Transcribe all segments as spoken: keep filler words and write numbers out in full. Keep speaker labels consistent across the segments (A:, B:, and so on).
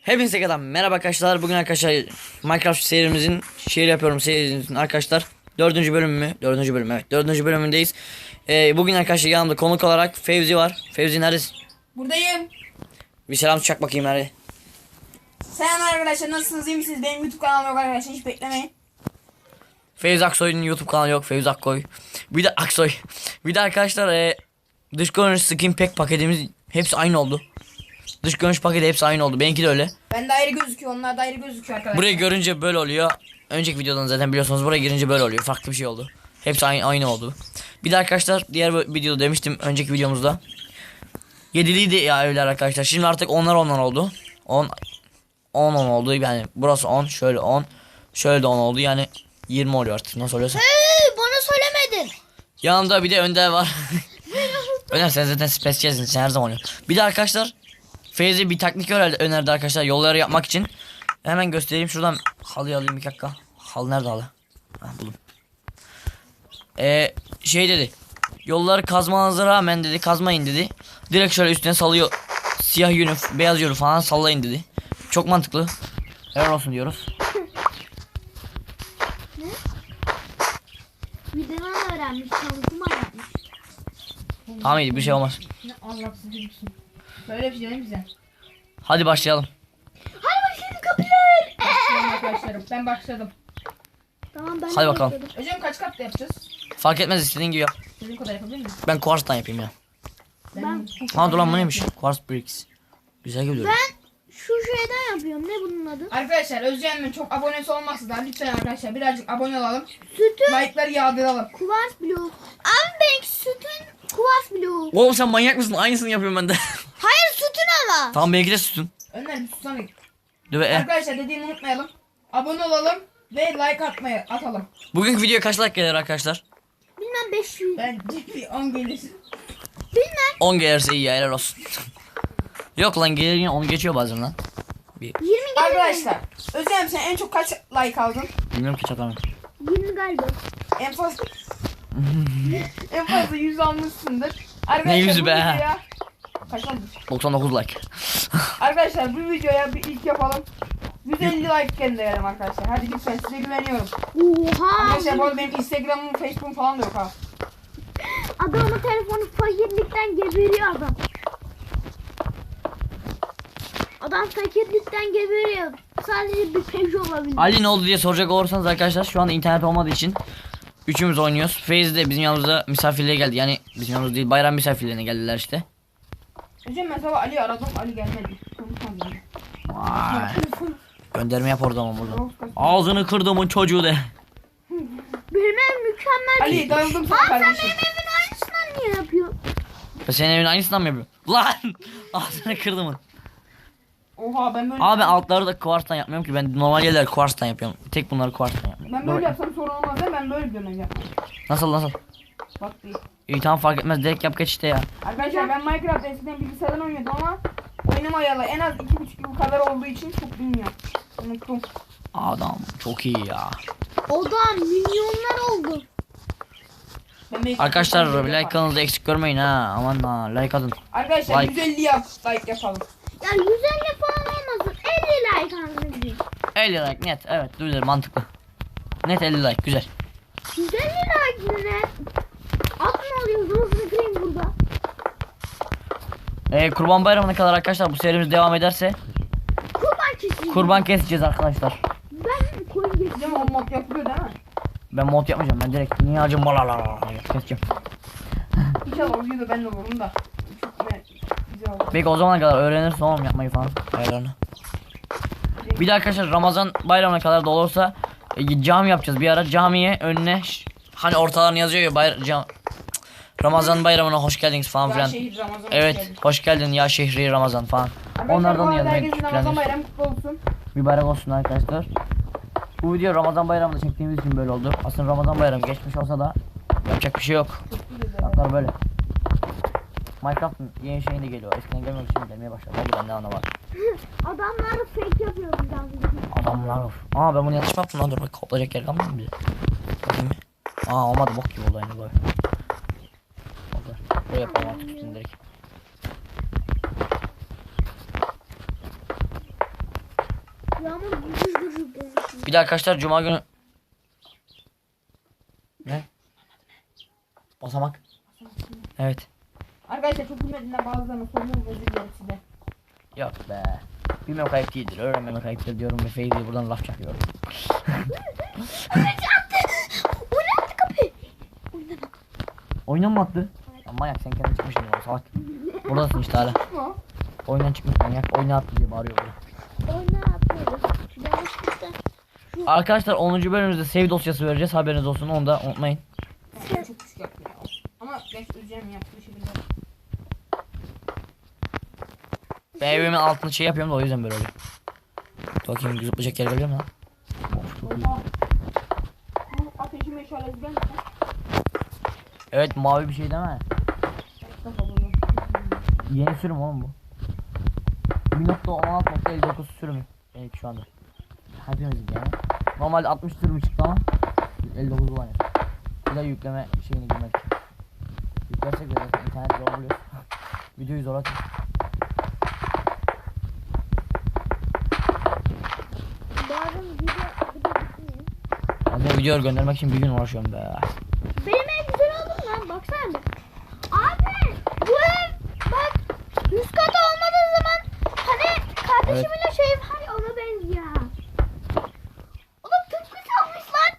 A: Hepinize kadar merhaba arkadaşlar. Bugün arkadaşlar Minecraft serimizin şehir yapıyorum serimizin arkadaşlar dördüncü bölümü dördüncü bölüm evet dördüncü bölümündeyiz. Ee, bugün arkadaşlar yanımda konuk olarak Fevzi var. Fevzi neredesin?
B: Buradayım.
A: Bir selam çak bakayım hadi.
B: Selam arkadaşlar, nasılsınız, iyi misiniz? Benim YouTube kanalım yok arkadaşlar, hiç beklemeyin.
A: Fevzi Aksoy'un YouTube kanalı yok. Fevzi Akkoy. Bir de Aksoy. Bir de arkadaşlar e, dış görünüş skin pack paketimiz hepsi aynı oldu. Dış görünüş paketi hepsi aynı oldu. Benimki de öyle.
B: Ben de ayrı gözüküyor, onlar da ayrı gözüküyor arkadaşlar.
A: Burayı görünce böyle oluyor. Önceki videodan zaten biliyorsunuz, buraya girince böyle oluyor. Farklı bir şey oldu. Hepsi aynı, aynı oldu. Bir de arkadaşlar diğer videoda demiştim, önceki videomuzda. Yediliydi ya evler arkadaşlar. Şimdi artık onlar onlar oldu. on on on oldu. Yani burası on, şöyle on, şöyle de on oldu. Yani yirmi oluyor artık. Nasıl oluyorsa.
C: Hey, bana söylemedin.
A: Yanımda bir de Önder var. Önder sen zaten spesiyelsin, sen her zaman oluyor. Bir de arkadaşlar Feyzi bir taktik önerdi, önerdi arkadaşlar yolları yapmak için. Hemen göstereyim, şuradan halıyı alayım bir dakika. Halı nerede halı? Ha, buldum. Ee, şey dedi. Yolları kazmanıza rağmen dedi kazmayın dedi. Direkt şöyle üstüne salıyor. Siyah yünü, beyaz yünü falan sallayın dedi. Çok mantıklı. Helal olsun diyoruz.
C: Videodan öğrenmiş, çalışma yapmış.
A: Tamam iyi, bir şey olmaz.
B: Ne Allah'sız çocuksun. Böyle bir şey değil mi bize?
A: Hadi başlayalım.
C: Hadi başlayalım kapılar.
B: Başlayalım arkadaşlarım, ben başladım.
C: Tamam ben
A: Hadi
C: de
A: bakalım.
C: başladım.
B: Hocam kaç katlı yapacağız?
A: Fark etmez, istediğin gibi yap.
B: Sizin kadar yapabilir miyiz?
A: Ben kuarstan yapayım ya.
C: Ben,
A: Ha dur lan, bu neymiş? Quartz bricks. Güzel geliyor.
C: ben şu şeyden yapıyorum. Ne bunun adı?
B: Arkadaşlar Özcan'ın çok abonesi olmazsa da lütfen arkadaşlar birazcık abone olalım.
C: Sütün
B: Like'ları yağdıralım.
C: kuvars bloğu. Abi benimki sütün kuvars bloğu.
A: Oğlum sen manyak mısın? Aynısını yapıyorum ben de.
C: Hayır sütün ama.
A: Tamam, belki de sütün.
B: Önder bir susana.
A: Dur be.
B: Arkadaşlar dediğimi unutmayalım. Abone olalım ve like atmayı atalım.
A: Bugünkü videoya kaç like gelir arkadaşlar?
C: Bilmem beş yüz.
B: Ben ciddi on gelir.
C: Bilmem
A: on gelirse iyi ya, helal olsun. Yok lan, gelir yine, onu geçiyor bazen lan.
C: yirmi geldi.
B: Arkadaşlar Özlem sen en çok kaç like aldın?
A: Bilmiyorum ki, çatamam.
C: yirmi galiba.
B: En fazla en fazla yüz almışsındır. Arkadaşlar,
A: Ne yüzü
B: bu
A: be?
B: videoya- Kaç oldu?
A: doksan dokuz like.
B: Arkadaşlar bu videoya bir ilk yapalım. yüz elli like gönderelim arkadaşlar. Hadi lütfen, size güveniyorum.
C: Oha.
B: Arkadaşlar bu arada benim Instagram'ım, Facebook'um falan da yok ha.
C: Adamın telefonu fakirlikten geberiyor adam. Adam fakirlikten geberiyor. Sadece bir Peugeot olabilir.
A: Ali ne oldu diye soracak olursanız arkadaşlar, şu anda internet olmadığı için üçümüz oynuyoruz. Feyzi de bizim yanımızda misafirliğe geldi. Yani bizim yanımızda değil, bayram misafirliğine geldiler işte.
B: Hocam ben sabah Ali'yi aradım, Ali gelmedi. Konuşmadım.
A: Vay. Gönderme yap orada ama burada. Ağzını kırdımın çocuğu de.
C: Benim ev mükemmel.
B: Ali darıldım sana
C: Aa, sen
B: kardeşim.
C: benim evin aynısından niye yapıyorsun?
A: Ben senin evin aynısından mı yapıyorum? Lan! Ağzını kırdımın.
B: Oha ben böyle
A: Abi altları da kuarstan yapmıyorum ki, ben normal yerler kuarstan yapıyorum. Tek bunları kuarstan yapıyorum.
B: ben böyle yapsam sorun olmaz ya, ben böyle diyorum hocam.
A: Nasıl nasıl?
B: Bak değil.
A: İyi tamam, fark etmez, direkt yap geç işte ya.
B: Arkadaşlar ben Minecraft eskiden bilgisayardan oynuyordum ama oyunum ayalı en az iki buçuk yıl kadar olduğu için çok bilmiyorum. Unuttum.
A: Adam çok iyi ya.
C: O da milyonlar oldu.
B: Ben belki-
A: Arkadaşlar like kanalda eksik görmeyin ha. Aman ha, like atın.
B: Arkadaşlar
A: Like.
B: yüz elli yap, like yapalım.
C: Ya yüz elli falan olmasın. elli like anlayacağım.
A: elli like net, evet güzel, mantıklı. Net elli like, güzel.
C: yüz elli like ne? At mı alıyoruz? Hızlı kırayım burada.
A: Ee, Kurban Bayramı'na kadar arkadaşlar bu serimiz devam ederse
C: Kurban keseceğim.
A: kurban keseceğiz arkadaşlar.
C: Ben koyun keseceğim.
B: Hocam o mod yapılıyor değil mi?
A: Ben mod yapmayacağım, ben direkt niyacım balala keseceğim.
B: İnşallah o videoda ben de olurum da. Çok ne güzel olur.
A: Belki o zamana kadar öğrenirsin oğlum yapmayı falan, ayarlarını. Bir de arkadaşlar Ramazan Bayramı'na kadar da olursa e, cami yapacağız. Bir ara camiye önüne ş- hani ortalarını yazıyor ya, bayra- cam- Ramazan Bayramı'na hoş geldiniz falan
B: Ya
A: filan.
B: şehir Ramazan
A: Evet,
B: hoş geldin.
A: hoş geldin ya şehri Ramazan falan.
B: Arkadaşlar,
A: Onlardan
B: bu
A: da
B: arada
A: yazmayı
B: herkesin Ramazan
A: planlıyoruz.
B: bayramı kutlu olsun.
A: Mübarek olsun arkadaşlar. Bu video Ramazan Bayramı'nda çektiğimiz için böyle oldu. Aslında Ramazan Bayramı geçmiş olsa da yapacak bir şey yok.
B: Çok güzel.
A: Şartlar böyle. Minecraft'ın yeni şeyi de geliyor. Eskiden gelmiyordu, şimdi gelmeye başladı. Hadi ben ne anlamadım.
C: Adamlar fake yapıyor bizden.
A: Adamlar of. Aa ben bunu yanlış mı yaptım lan, dur bak, koplayacak yer kalmadı mı bize? Bakayım bir. Aa olmadı, bok gibi oldu aynı böyle. Oldu. Böyle yapalım artık üstüne direkt.
C: Yağmur gürür gürür konuşuyor.
A: Bir de arkadaşlar cuma günü ne? Basamak. Evet.
B: Arkadaşlar çok bilmediğinden bazılarını soruyorum, özür dilerim size.
A: Yok be. Bilmem kayıp değildir. Öğrenmemek ayıptır diyorum ve Feyzi'ye buradan laf çakıyorum.
C: Oynattı kapıyı. Oynadı.
A: Oyundan mı attı? Ya manyak sen kendin çıkmışsın ya salak. Buradasın işte hala.
B: Ama
A: Oyundan çıkmış manyak. Oyuna attı diye bağırıyor burada.
C: Oynatıyoruz. Yanlışlıkla.
A: Arkadaşlar onuncu bölümümüzde save dosyası vereceğiz. Haberiniz olsun. Onu da unutmayın.
B: yani çok küçük yaptı ya. Ama ben özleyeceğim yaptığı şekilde.
A: Ben evimin altını şey yapıyorum da o yüzden böyle oluyor. Bakayım zıplayacak yer geliyor mu lan? Of, çok iyi.
B: Oha. Bu ateşi meşalesi gelmiş lan.
A: Evet mavi bir şey değil mi?
B: Kafa buluyor.
A: Yeni sürüm oğlum bu. bir nokta on altı nokta elli dokuz sürümü. Evet şu anda. Hepimizin yani. Normalde altmış sürümü çıktı ama elli dokuz olan yani. Bir de yükleme şeyini girmek için. Yüklersek de zaten internet zor buluyor. Videoyu zor atıyor.
C: Bazen video bir de bitmiyor.
A: Ben de video göndermek için bir gün uğraşıyorum be.
C: Benim ev güzel oldu mu lan? Baksana bir. Abi bu ev bak yüz kat olmadığı zaman hani kardeşimin şey var ya ona benziyor. Oğlum tıpkı salmış lan.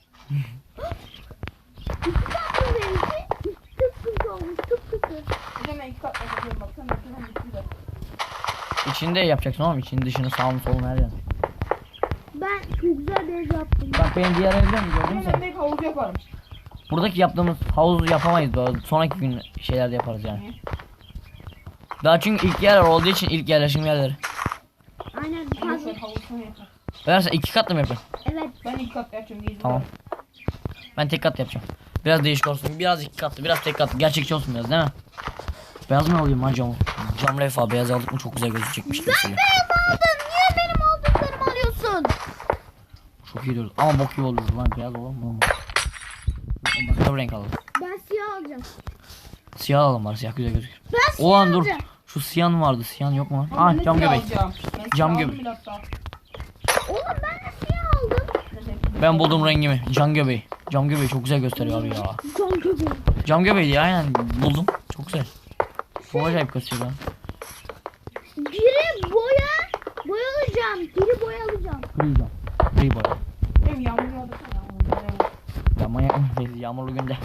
C: Tıpkı salmış benimki. Tıpkı olmuş tıpkı.
B: Bir de ben iki kat yapıyorum bak. Sen yapıyorsun bir de.
A: İçinde yapacaksın oğlum. İçini dışını sağını solunu her yerini.
C: Ben çok güzel bir ev yaptım.
A: Bak benim diğer evde mi gördün
B: Ben
A: sen?
B: de hep havuz yaparım.
A: Buradaki yaptığımız havuzu yapamayız böyle. Sonraki gün şeyler de yaparız yani. Daha çünkü ilk yerler olduğu için ilk yerleşim yerleri.
C: Aynen
B: Ama
C: fazla.
B: şöyle havuz sana yapar.
A: Öyleyse iki katlı mı yapıyorsun?
C: Evet.
B: Ben iki kat yapacağım. Gezi
A: Tamam. Ben tek kat yapacağım. Biraz değişik olsun. Biraz iki katlı, biraz tek katlı. Gerçekçi olsun biraz değil mi? Beyaz mı alayım lan camı? Cam lefa beyaz aldık mı çok güzel gözükecekmiş gibi söylüyor.
C: Beyaz aldın. Niye benim aldıklarımı alıyorsun?
A: Çok iyi durdu. Ama bok gibi olur lan beyaz olur mu? Başka bir renk alalım.
C: Ben siyah alacağım.
A: Siyah alalım var siyah güzel gözüküyor.
C: Ben siyah
A: Ulan dur.
C: alacağım.
A: Şu siyan vardı. Siyan yok mu lan?
B: Ama ben
A: Ah
B: de
A: cam
B: siyah
A: göbek.
B: alacağım. Ben
A: Cam
B: siyah
A: göbek.
B: aldım bile hatta.
C: Oğlum ben de siyah aldım.
A: Ben buldum rengimi. Cam göbeği. Cam göbeği çok güzel gösteriyor abi ya.
C: Can köpeği.
A: Cam göbeği ya aynen buldum. Çok güzel. Çok acayip gösteriyor lan.
C: Biri boya, boya alacağım. Biri boya alacağım.
A: Gri cam. Gri boya.
B: Benim yağmur yağdı. Yağmur yağdı.
A: Ya manyak mı? Yağmurlu günde.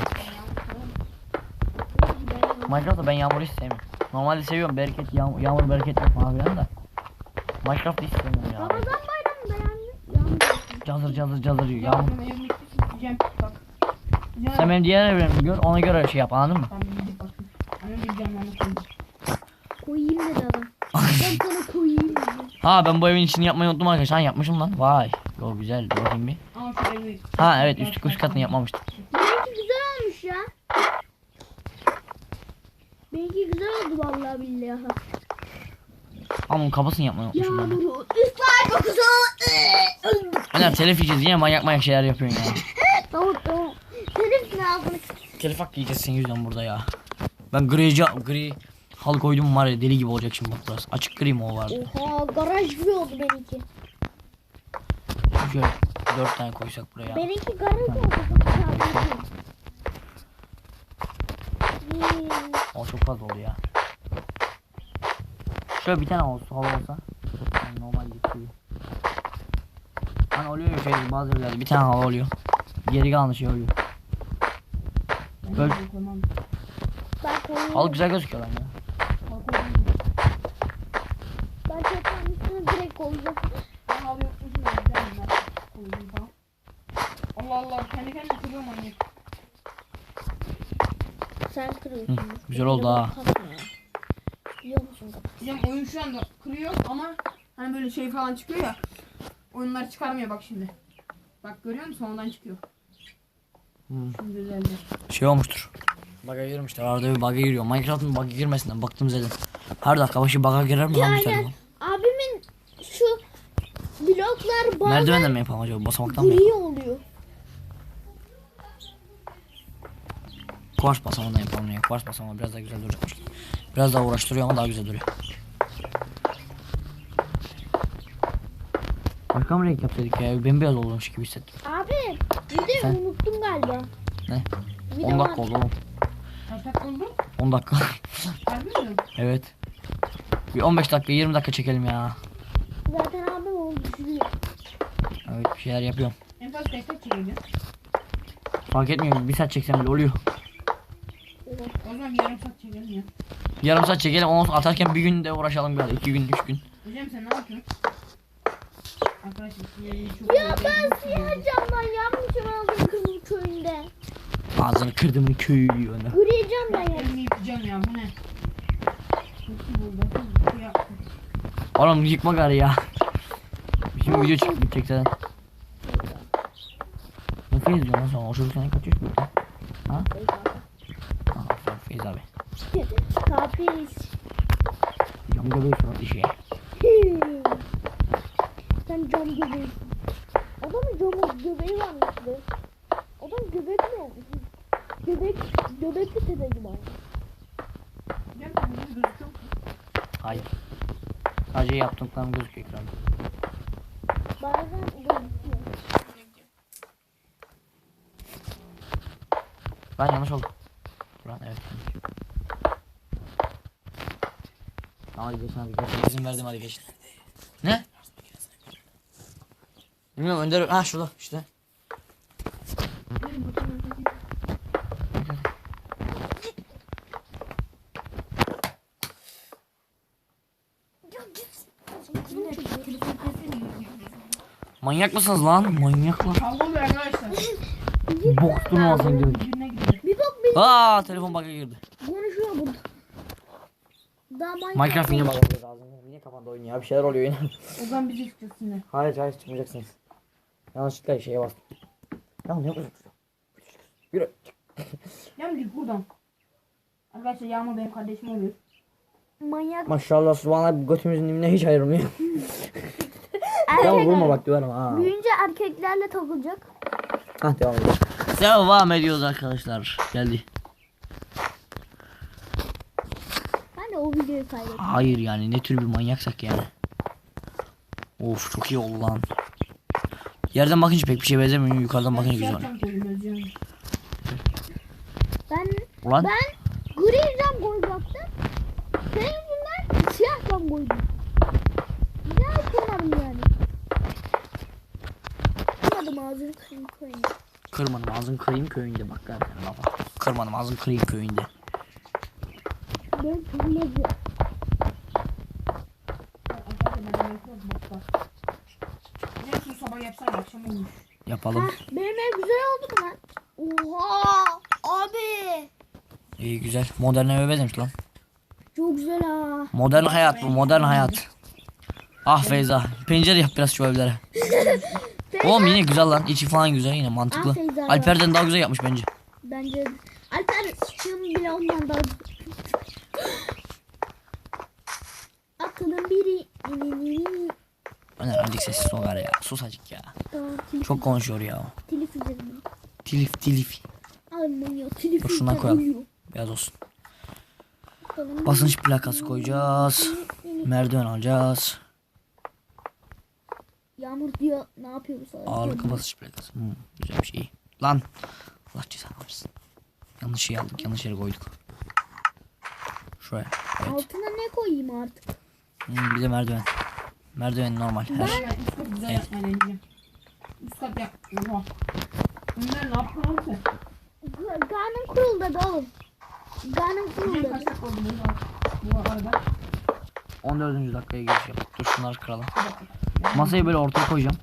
A: Minecraft'ta ben yağmuru hiç sevmiyorum. Normalde seviyorum bereket yağmur, yağmur bereket yok falan filan da. Minecraft'ta hiç sevmiyorum ya.
C: Ramazan bayramında yağmur. Yağmur.
A: Cazır cazır cazır yiyor
B: Ya
A: yağmur.
B: benim evim bitti. Gideceğim. Bak. Gideceğim.
A: Sen benim diğer evlerimi gör ona göre şey yap anladın mı?
B: Ben bir gidip bakayım. Annem gideceğim ben de.
C: Koyayım dedi adam. Ben sana koyayım dedi.
A: Ha ben bu evin içini yapmayı unuttum arkadaşlar. Ha, yapmışım lan. Vay. Yo güzel. Dur bakayım bir.
B: Ama şu evi.
A: Ha evet üst, üst katını yapmamıştım.
C: Benimki güzel olmuş ya. Benimki güzel oldu vallahi billahi.
A: Ama bunun kafasını yapmayı unutmuşum ben.
C: Yağmuru ıslar kokusu.
A: Öner telif yiyeceğiz yine manyak manyak şeyler yapıyorsun ya.
C: Tamam tamam. Senin ne ağzını
A: Telif hakkı yiyeceğiz senin yüzünden burada ya. Ben gri cam, gri halı koydum var ya deli gibi olacak şimdi bak burası. Açık gri mi o vardı?
C: Oha garaj gibi oldu benimki.
A: Şöyle dört tane koysak buraya.
C: Benimki garaj oldu. Hmm.
A: O çok fazla oldu ya. Şöyle bir tane olsa hava olsa. Yani normal gibi. Hani oluyor ya şey bazı evlerde bir tane hava oluyor. Geri kalan şey oluyor. Böyle
C: Ben koyayım.
A: halı güzel gözüküyor lan ya.
C: Ben çatının üstüne direkt koyacağım.
B: Ben halı yokmuşum ya. Güzel mi? Koyayım falan. Allah Allah. Kendi kendine kırıyorum anne.
C: Sen kırıyorsun.
A: Hı, güzel oldu ha.
C: Biliyor musun?
B: Bizim oyun şu anda kırıyor ama hani böyle şey falan çıkıyor ya. Oyunlar çıkarmıyor bak şimdi. Bak görüyor musun? Ondan çıkıyor.
A: Hmm.
B: Şimdi düzeldi.
A: Şey olmuştur. Bug'a girmişler. Arada bir bug'a giriyor. Minecraft'ın bug'a girmesinden baktım zaten. Her dakika başı bug'a girer mi lan bu telefon?
C: Yani abimin şu bloklar bazen
A: Merdivenden mi yapalım acaba? Basamaktan mı?
C: gri oluyor.
A: Kuvars basamağından yapalım ya. Kuvars basamağı biraz daha güzel duracakmış. Biraz daha uğraştırıyor ama daha güzel duruyor. Başka mı renk yapsaydık ya? Bembeyaz olmuş gibi hissettim.
C: Abi bir de
A: Sen?
C: unuttum galiba.
A: Ne?
C: Bir de
A: on
C: var.
A: dakika oldu oğlum.
B: Kaç dakika oldu?
A: on dakika.
B: Harbi mi?
A: Evet. Bir on beş dakika yirmi dakika çekelim ya.
C: Zaten abim onu düşünüyor.
A: Evet bir şeyler yapıyorum.
B: En fazla kaç dakika çekirdin?
A: Fark etmiyor. Bir saat çeksem bile oluyor.
B: O zaman yarım saat çekelim ya.
A: Yarım saat çekelim. Onu atarken bir gün de uğraşalım biraz. iki gün, üç gün.
B: Hocam sen ne yapıyorsun? Arkadaşlar sinyalini çok
C: Ya ben siyah camdan yanmışım aldım kızıl köyünde.
A: Ağzını kırdımın köyü diyor ona.
C: Gri camdan yandım.
B: elimi yıkayacağım ya bu ne? Çok iyi oldu. Ya.
A: Oğlum yıkma gari ya. Şimdi video çıkıp bitecek zaten. Ne Feyz diyorsun lan sen? O çocuk sana kaç yaş büyük lan? Ha? Ha, sen Feyz abi.
C: Kapris.
A: Cam göbeği surat işi.
C: Sen cam göbeği. Adamın camı göbeği varmış be. Adam göbek mi olmuş? Göbek, göbekli tepe gibi olmuş.
B: Hocam sen bunu gözüküyor musun?
A: Hayır. Sadece yaptıklarım gözüküyor ekranda.
C: Bazen gözüküyor.
A: Ben yanlış oldum. Buran evet. Tamam hadi geçin hadi geçin. İzin verdim hadi geçin. Ne? Bilmiyorum Önder. Ha şurada işte. Manyak mısınız lan? Manyaklar.
B: Kavga oluyor arkadaşlar.
A: Bok durmasın diyor.
B: Birbirine gidiyor.
C: Bir bak bir
A: Aa telefon bug'a girdi.
C: konuşuyor burada. Daha Minecraft.
A: Minecraft yine bug'a girdi ağzına. Niye kafanda oyun ya? Bir şeyler oluyor yine.
B: O zaman biz çıkacağız şimdi.
A: Hayır hayır çıkmayacaksınız. Yanlışlıkla şeye bastım. Ya ne yapıyorsun? Yürü.
B: Yağmur git buradan. Arkadaşlar Yağmur benim kardeşim oluyor.
C: Manyak.
A: Maşallah subhanallah götümüzün dibine hiç ayrılmıyor. Ya vurma bak diyorum ha.
C: Büyüyünce erkeklerle takılacak.
A: Hah devam edelim. Devam ediyoruz arkadaşlar. Geldi.
C: Ben de o videoyu kaydettim.
A: Hayır yani ne tür bir manyaksak yani. Of çok iyi oldu lan. Yerden bakınca pek bir şey benzemiyor. Yukarıdan bakınca güzel oluyor.
C: Ben
A: Ulan
C: ben gri cam koyacaktım. Senin yüzünden siyah cam koydum. Güzel kırmadım yani. Kırmadım ağzını kırayım koyayım.
A: kırmadım ağzın kırayım köyünde bak gel sen lafa. Kırmadım ağzın kırayım köyünde.
C: Ben kırmadım.
B: Ne sabah yapsan akşam olmuş.
A: Yapalım.
C: Heh, benim ev güzel oldu mu lan? Oha abi.
A: İyi güzel. Modern eve benzemiş lan.
C: Çok güzel ha.
A: Modern hayat bu modern hayat. Ah Feyza. Pencere yap biraz şu evlere. Oğlum yine güzel lan. İçi falan güzel yine mantıklı.
C: Ah Feyza.
A: Alper'den daha güzel yapmış bence.
C: Bence Alper şunun bile ondan daha aklın biri.
A: Öner azıcık sessiz ol ya. Sus azıcık ya.
C: Tamam, telif,
A: Çok konuşuyor ya.
C: telif üzerine.
A: Tilif tilif.
C: Almanya telif
A: Dur şuna
C: üzerine.
A: koyalım. Beyaz olsun.
C: Bakalım.
A: Basınç plakası koyacağız. Merdiven alacağız.
C: Yağmur diyor ne yapıyoruz?
A: Ağırlıklı basınç plakası. Hmm, güzel bir şey. Lan. Allah cezanı versin. Yanlış şey aldık. Yanlış yere koyduk. Şuraya. Evet.
C: Altına ne koyayım artık?
A: Hmm, bir de merdiven. Merdiven normal. Her.
B: Ben üst kat güzel yapmayı deneyeceğim. Üst kat yap. Oha. Bunlar ne yaptın oğlum sen?
C: G- Karnım kuruldu da oğlum. Karnım
B: Hocam
C: kuruldu.
B: kaç dakika oldu bu arada?
A: on dördüncü dakikaya giriş yap. Dur şunları kıralım. Masayı böyle ortaya koyacağım.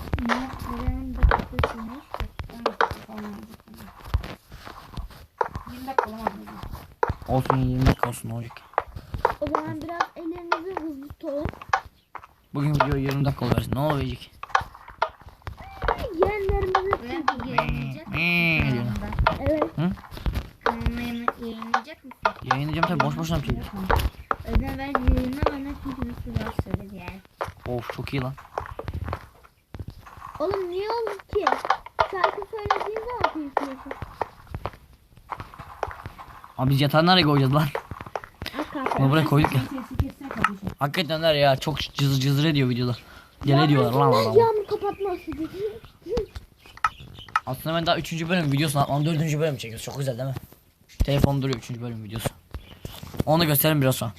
B: yirmi dakika olamadı.
A: Olsun yirmi dakika olsun ne olacak.
C: O zaman biraz ellerinizi hızlı tutun.
A: Bugün video yirmi dakika oluversin. Ne olacak?
C: Yeğenlerimizi
D: Yayınlayacak
A: Ne diyorsun?
C: evet.
D: Kanalına yayınlayacak mısın?
A: Yayınlayacağım tabi boş boşuna bir şey.
D: Öden ver yayınla bana çünkü nasıl laf söyledi yani.
A: Of çok iyi lan.
C: Oğlum niye oldu ki? Şarkı söylediğin zaman kıyıklıyorsun.
A: Abi biz yatağı nereye koyacağız lan? Bunu buraya koyduk ya.
B: Sesi kessene kardeşim.
A: Hakikaten var ya çok cızır cızır ediyor videolar. Deli diyorlar lan
C: Ben
A: adamı.
C: yağmur kapatması dedi.
A: Aslında ben daha üçüncü bölüm videosunu atmam. dördüncü bölüm çekiyoruz. Çok güzel değil mi? Telefon duruyor üçüncü bölüm videosu. Onu da gösterelim biraz sonra.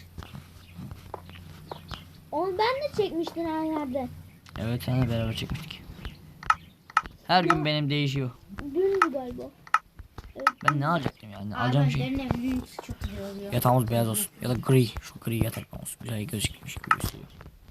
C: Onu ben de çekmiştim her yerde.
A: Evet seninle beraber çekmiştik. Her gün benim değişiyor.
C: Dündü galiba.
A: Ben ne alacaktım yani? Alacağım şey.
D: Alacağım şey. Evinin içi çok güzel oluyor.
A: Yatağımız beyaz olsun. Ya da gri. Şu gri yatak olsun. Güzel gözükmüş gibi gösteriyor.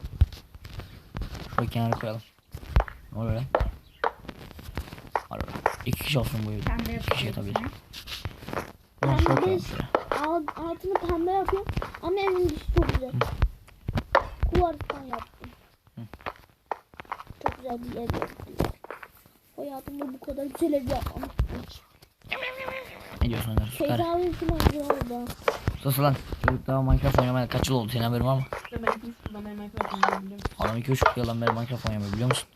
A: Şöyle kenara koyalım. Ne oluyor lan? Var öyle. İki kişi olsun bu evde.
D: Pembe
A: İki kişi
D: yapıyorum.
A: yatabilir. Bunu şöyle
C: Ben
A: koyalım
C: de
A: şöyle.
C: alt, altını pembe yapıyorum. Ama evin dışı çok güzel. Kuvarstan yaptım.
A: Hı.
C: Çok güzel bir ev yaptım. Hayatımda bu kadar güzel ev yapmamıştım hiç.
A: Ne diyorsun Önder? Süper.
C: Feyza ve Sinan güzel oldu.
A: Sus lan. Çocuk daha Minecraft oynamaya kaç yıl oldu? Senin haberin var mı?
B: İşte ben iki üç yıldan beri Minecraft oynuyorum biliyorum.
A: Adam iki üç yıldan beri Minecraft oynamıyor biliyor musun?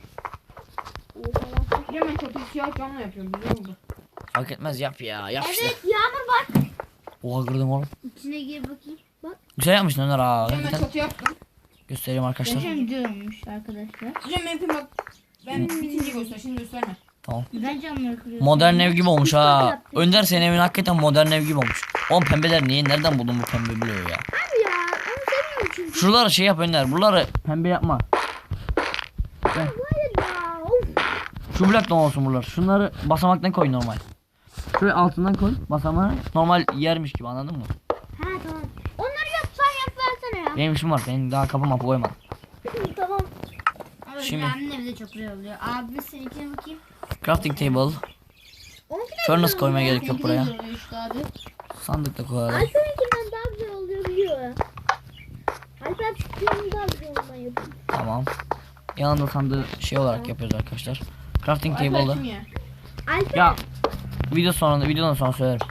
C: Oha.
B: Biliyorum ben çatıyı siyah camla yapıyorum güzel oldu.
A: Fark etmez yap ya. Yap işte.
C: Evet Yağmur bak.
A: Oha kırdım oğlum.
D: İçine gir bakayım.
A: Güzel yapmışsın Önder ha.
B: Biliyorum ben
A: Hakikaten.
B: çatı yaptım.
A: Göstereyim arkadaşlar.
D: Geçen video olmuş arkadaşlar.
B: Biliyorum benimki bak. Ben bitince göster şimdi gösterme.
A: Tamam.
D: Ben camları kırıyorum.
A: Modern ev gibi olmuş
C: Üç kat
A: ha.
C: yaptım.
A: Önder senin evin hakikaten modern ev gibi olmuş. Oğlum pembeler niye? Nereden buldun bu pembe bloğu ya?
C: Abi ya onu seviyorum çünkü.
A: Şuraları şey yap Önder. Buraları pembe yapma.
C: Hayır ya. Of.
A: Şu blok ne olsun buralar. Şunları basamaktan koy normal. Şuraya altından koy basamağı. Normal yermiş gibi anladın mı?
C: Ha tamam. Onları yap sen yap versene ya.
A: Benim işim var. Benim daha kapı mapı koymadım.
C: Tamam.
D: Ama
A: Şimdi-
D: Şimdi... Abimin evi de çok güzel oluyor. Abi seninkine bakayım.
A: Crafting table.
C: Onunki de
A: Furnace
C: güzel
A: koymaya
C: oluyor.
A: gerek yok
D: Seninki de
A: buraya.
D: güzel oluyor işte abi.
A: Sandık da koyalım.
C: Alper'inkinden daha güzel oluyor biliyor. Alper benim daha güzel olmayı yapıyor.
A: Tamam. Yanında sandığı şey olarak yapıyoruz arkadaşlar. Crafting
B: Alper
A: table'da.
B: kim ya?
C: Alper
A: Ya video sonunda videodan sonra söylerim.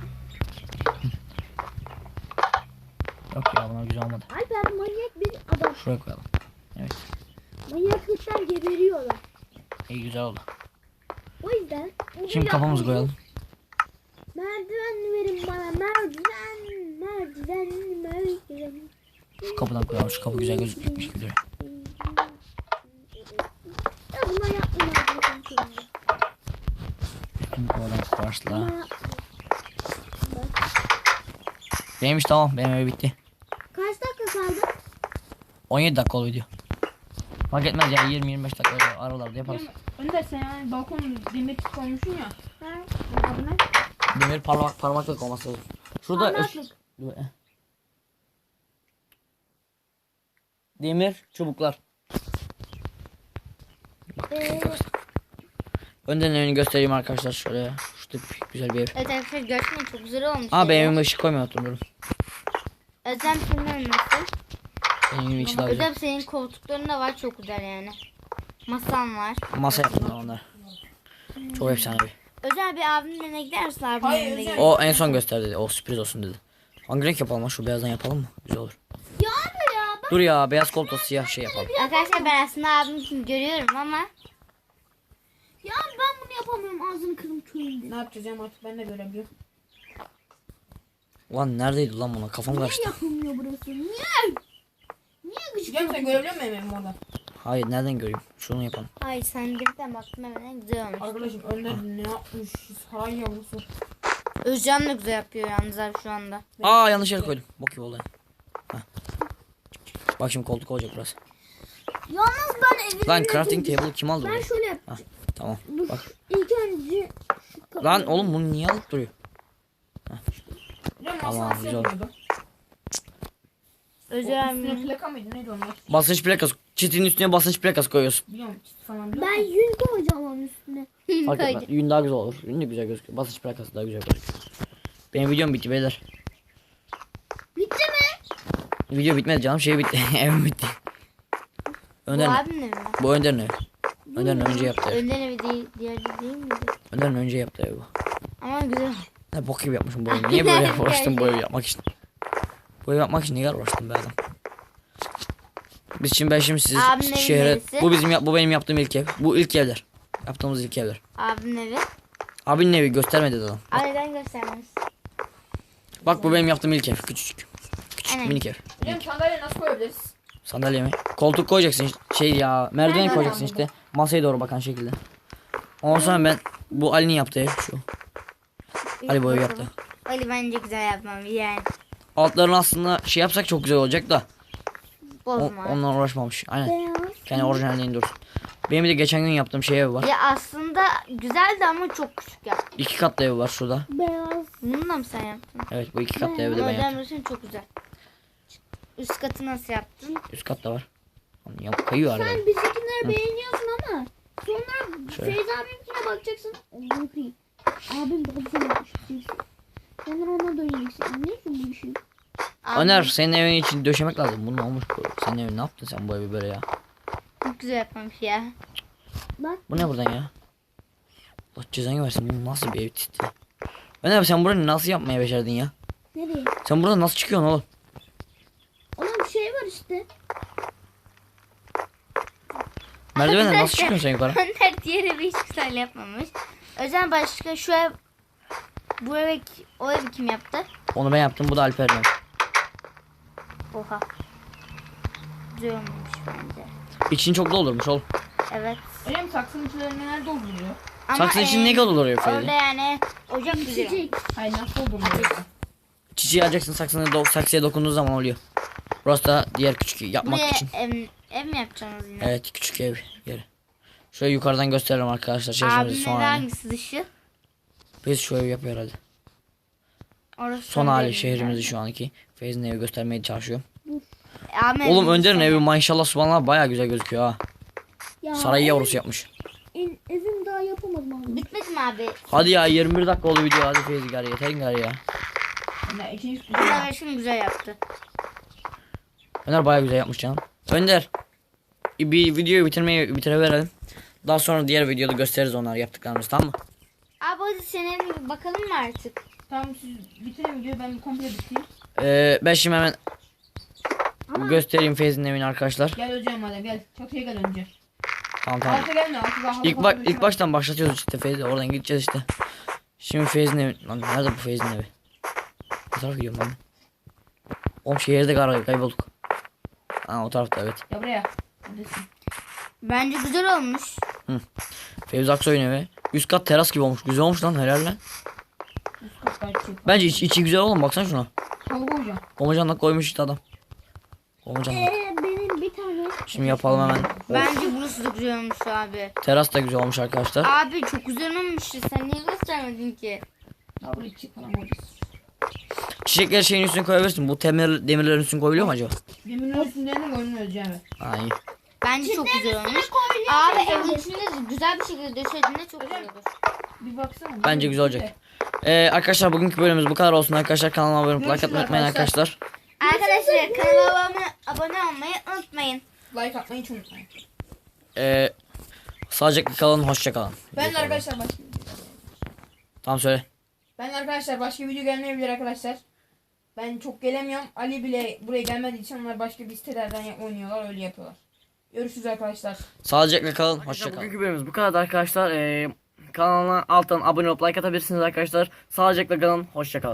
A: Yok ya bunlar güzel olmadı.
C: Alper manyak bir adam.
A: Şuraya koyalım. Evet.
C: Manyaklıktan geberiyorlar.
A: İyi güzel oldu.
C: O yüzden bunu
A: Şimdi kapımızı
C: yapmayı-
A: koyalım.
C: Merdiven verin bana merdiven merdiven merdiven.
A: Şu kapıdan koyalım. Şu kapı güzel gözükmüş gibi duruyor.
C: Ya bunlar yapmayın arkadaşlar.
A: Üstünü koyalım. Başla.
C: Bunlar yapmayın.
A: Benim iş tamam. Benim ev bitti.
C: Kaç dakika kaldı?
A: on yedi dakika oldu video. Fark etmez ya yirmi yirmi beş dakika aralarda yaparız.
B: Önder sen yani balkon demir koymuşsun ya.
C: Ha?
B: Adı ne?
A: Demir parmak parmaklık olması lazım. Şurada
C: Parmaklık.
A: demir çubuklar.
C: Ee,
A: Önden evini göstereyim arkadaşlar şöyle. Şurada bir- güzel bir ev.
D: Evet arkadaşlar gerçekten çok güzel olmuş.
A: Aa
D: evi.
A: benim evime ışık koymayı unuttum.
D: Özlem senin nasıl?
A: Benim evim içi daha güzel.
D: Özlem senin koltukların da var çok güzel yani. Masan var.
A: Masa yaptım ben onlar. Çok efsane bir.
D: Özel bir abimin evine gidersin abimin
B: Hayır,
D: evine
B: Özel-
D: gider.
A: O en son gösterdi dedi. O sürpriz olsun dedi. Hangi renk yapalım? Şu beyazdan yapalım mı? Güzel olur.
C: ya abi ya ben
A: Dur ya beyaz koltuğu siyah şey yapalım.
D: Arkadaşlar ben aslında abim için görüyorum ama
C: ya ben bunu yapamıyorum ağzını kırım köyünde.
B: Ne yapacağız ya artık ben de görebiliyorum.
A: Ulan neredeydi lan buna? Kafam
C: Niye
A: karıştı.
C: yapılmıyor burası? Niye? Niye gıcık
B: Biliyorum sen
C: yapıyor?
B: görebiliyor musun evimi orada?
A: Hayır nereden göreyim? Şunu yapalım.
D: hayır sen birden baktım hemen güzel olmuş.
B: Arkadaşım Önder ne yapmış? Saray yavrusu.
D: Özcan da güzel yapıyor yalnız abi şu anda.
A: Aa yanlış yere koydum. Bok gibi oldu. Heh. Bak şimdi koltuk olacak burası.
C: Yalnız ben evimi
A: Lan crafting table kim aldı
C: Ben
A: burayı?
C: şöyle yap.
A: Hah, tamam.
C: Dur.
A: Bak.
C: İlk önce şu kapıyı-
A: Lan oğlum bunu niye alıp duruyor?
B: Biliyorum
A: Tamam,
B: aslında
A: güzel.
B: güzel oldu.
D: Özcan
B: Üstüne
D: abi.
B: plaka mıydı neydi onlar?
A: Basınç plakası. Çitin üstüne basınç plakası koyuyorsun.
B: Biliyorum çift falan biliyor
C: Ben
B: musun?
C: yün koyacağım onun üstüne.
A: Fark etmez. Yün daha güzel olur. Yün de güzel gözüküyor. Basınç plakası daha güzel gözüküyor. Benim videom bitti beyler.
C: Bitti mi?
A: Video bitmedi canım. Şey bitti. Evim bitti.
D: Bu
A: Önder mi?
D: abimin evi mi?
A: Bu Önder'in evi. Önder'in önce yaptı ev.
D: Önden evi değil, diğeri değil miydi?
A: Önder'in önce yaptı ev bu.
D: Ama güzel.
A: Ne bok gibi yapmışım bu evi. Niye böyle uğraştım bu evi yapmak için? Bu evi yapmak için niye kadar uğraştım be adam? Biz şimdi ben şimdi sizi
D: Abimin evi
A: şehre...
D: neresi?
A: Bu bizim yap- bu benim yaptığım ilk ev. Bu ilk evler. Yaptığımız ilk evler.
D: Abimin evi.
A: Abinin evi göstermedi adam.
D: Aileden göstermez.
A: Bak bu benim yaptığım ilk ev. Küçücük. Küçük
D: Aynen.
A: minik ev.
B: Biliyorum sandalye nasıl koyabiliriz?
A: Sandalye mi? Koltuk koyacaksın şey ya merdiven
C: Nerede
A: koyacaksın
C: lan
A: işte. Masaya doğru bakan şekilde. Ondan sonra ben bu Ali'nin yaptığı ev şu. Ali boyu yaptı.
C: Ali bence güzel yapmam yani.
A: Altlarını aslında şey yapsak çok güzel olacak da. O,
C: Bozma.
A: ondan uğraşmamış. Aynen.
C: Beyaz.
A: Kendi orijinalliğini dursun. Benim bir de geçen gün yaptığım şey ev var.
C: Ya aslında güzeldi ama çok küçük yaptın.
A: İki katlı ev var şurada.
C: Beyaz. Bunu da mı sen yaptın?
A: Evet bu iki katlı evi de
C: Ama
A: ben yaptım.
C: önemlisi çok güzel. Üst katı nasıl yaptın?
A: Üst katta var. Ya kayıyor arada.
D: Sen bizimkileri beğeniyorsun ama sonra
A: Şöyle.
D: Feyza abimkine bakacaksın. Allah'ım kıyım. Abim daha güzel yapmış diyeceksin. Sonra ona döneceksin. Anlıyorsun bu işi.
A: Öner senin evin için döşemek lazım. Bunun olmuş bu. Senin evin ne yaptın sen bu evi böyle ya?
C: Çok güzel yapmamış ya.
D: Bak
A: Bu ne buradan ya? Allah cezanı versin. Bu nasıl bir ev tipi? Öner abi sen burayı nasıl yapmaya başardın ya?
D: nereye?
A: Sen buradan nasıl çıkıyorsun oğlum?
D: Onun şey var işte.
A: Merdivenden nasıl çıkıyorsun sen yukarı?
C: Önder diğer evi hiç güzel yapmamış. Özen başka şu ev, bu ev, o evi kim yaptı?
A: Onu ben yaptım. Bu da Alper'den.
C: Oha. Güzel olmamış bence.
A: İçini çok doldurmuş oğlum.
C: Evet.
B: Hocam saksının içlerine nerede dolduruyor?
C: Ama
A: Saksı için
C: e,
A: ne dolduruyor
C: Orada
A: Feyzi?
C: yani ocak güzel.
D: Çiçek.
B: Hayır nasıl dolduruyor?
A: Çiçeği alacaksın saksını do saksıya dokunduğu zaman oluyor. Burası da diğer küçük yapmak
C: Buraya
A: için.
C: ev, ev mi yapacaksınız yine?
A: Evet küçük ev yeri. Şöyle yukarıdan gösterelim arkadaşlar şehrimizi
C: Abimin
A: son
C: evi
A: halini.
C: hangisi dışı?
A: Biz şu evi yapıyor herhalde.
C: Orası
A: Son
C: Önder'in
A: hali
C: evi.
A: şehrimizi şu anki. Feyzi'nin evi göstermeye çalışıyor.
C: Ahmet
A: Oğlum
C: evin
A: Önder'in
C: sonu.
A: evi maşallah subhanallah baya güzel gözüküyor ha.
D: Ya,
A: Saray
D: ev-
A: yavrusu yapmış.
D: ev- evim daha yapamadım abi.
C: Bitmedi mi abi?
A: Hadi ya yirmi bir dakika oldu video hadi Feyzi gari yeter gari ya.
B: Yani ikinci
C: Önder şimdi güzel yaptı.
A: Önder baya güzel yapmış canım. Önder bir videoyu bitirmeyi bitireverelim. Daha sonra diğer videoda gösteririz onlar yaptıklarımızı tamam mı?
C: Abi hadi senin bir bakalım mı artık?
B: Tamam siz bitirin videoyu ben komple bitireyim.
A: Ee, ben şimdi hemen göstereyim Feyzi'nin evini arkadaşlar.
B: Gel hocam hadi gel. Çatıya gel önce.
A: Tamam tamam.
B: Alta gelme alta daha halı
A: İlk,
B: falan
A: bak,
B: döşeme.
A: ilk baştan başlatıyoruz işte Feyzi oradan gideceğiz işte. Şimdi Feyzi'nin evi. Lan nerede bu Feyzi'nin evi? Ne tarafa gidiyorum ben? Oğlum şehirde kay kaybolduk. Ha o tarafta evet.
B: Ya buraya. Neredesin?
C: Bence güzel olmuş.
A: Fevzi Aksoy'un evi. Üst kat teras gibi olmuş. Güzel olmuş lan helal lan.
B: Üst kat gayet şey.
A: Bence iç, içi güzel oğlum baksana şuna.
B: Halı koyacağım.
A: Komacanla koymuş işte adam. Komacanla.
D: Ee, benim bir tane.
A: Şimdi yapalım hemen. Of,
C: Bence burası da güzel olmuş abi.
A: teras da güzel olmuş arkadaşlar.
C: Abi çok güzel olmuş. Sen niye göstermedin ki?
B: Ya buraya çiçek falan koyacağız.
A: Çiçekleri şeyin üstüne koyabilirsin. Bu demir, demirlerin üstüne koyuluyor mu acaba?
B: Demirin üstünde mi koymuyoruz yani?
A: Ha iyi.
C: Bence çok güzel olmuş.
D: koyuluyor
C: Abi
D: bence.
C: evin içinde güzel bir şekilde döşediğinde çok güzel olur.
B: Bir baksana.
A: Bence güzel olacak. Ee, arkadaşlar bugünkü bölümümüz bu kadar olsun arkadaşlar. Kanalıma abone olup like
B: Görüşürüz
A: atmayı unutmayın
B: arkadaşlar.
A: arkadaşlar.
C: Arkadaşlar kanalıma abone, abone olmayı unutmayın.
B: Like atmayı hiç unutmayın.
A: Ee, sağlıcakla kalın, hoşça kalın.
B: Ben de arkadaşlar başka
A: Tamam söyle.
B: Ben de arkadaşlar başka video gelmeyebilir arkadaşlar. Ben çok gelemiyorum. Ali bile buraya gelmediği için onlar başka bir sitelerden ya- oynuyorlar öyle yapıyorlar. Görüşürüz arkadaşlar.
A: Sağlıcakla kalın, hoşça kalın. Bugünkü bölümümüz bu kadar arkadaşlar. Ee, kanalına alttan abone olup like atabilirsiniz arkadaşlar. Sağlıcakla kalın, hoşça kalın.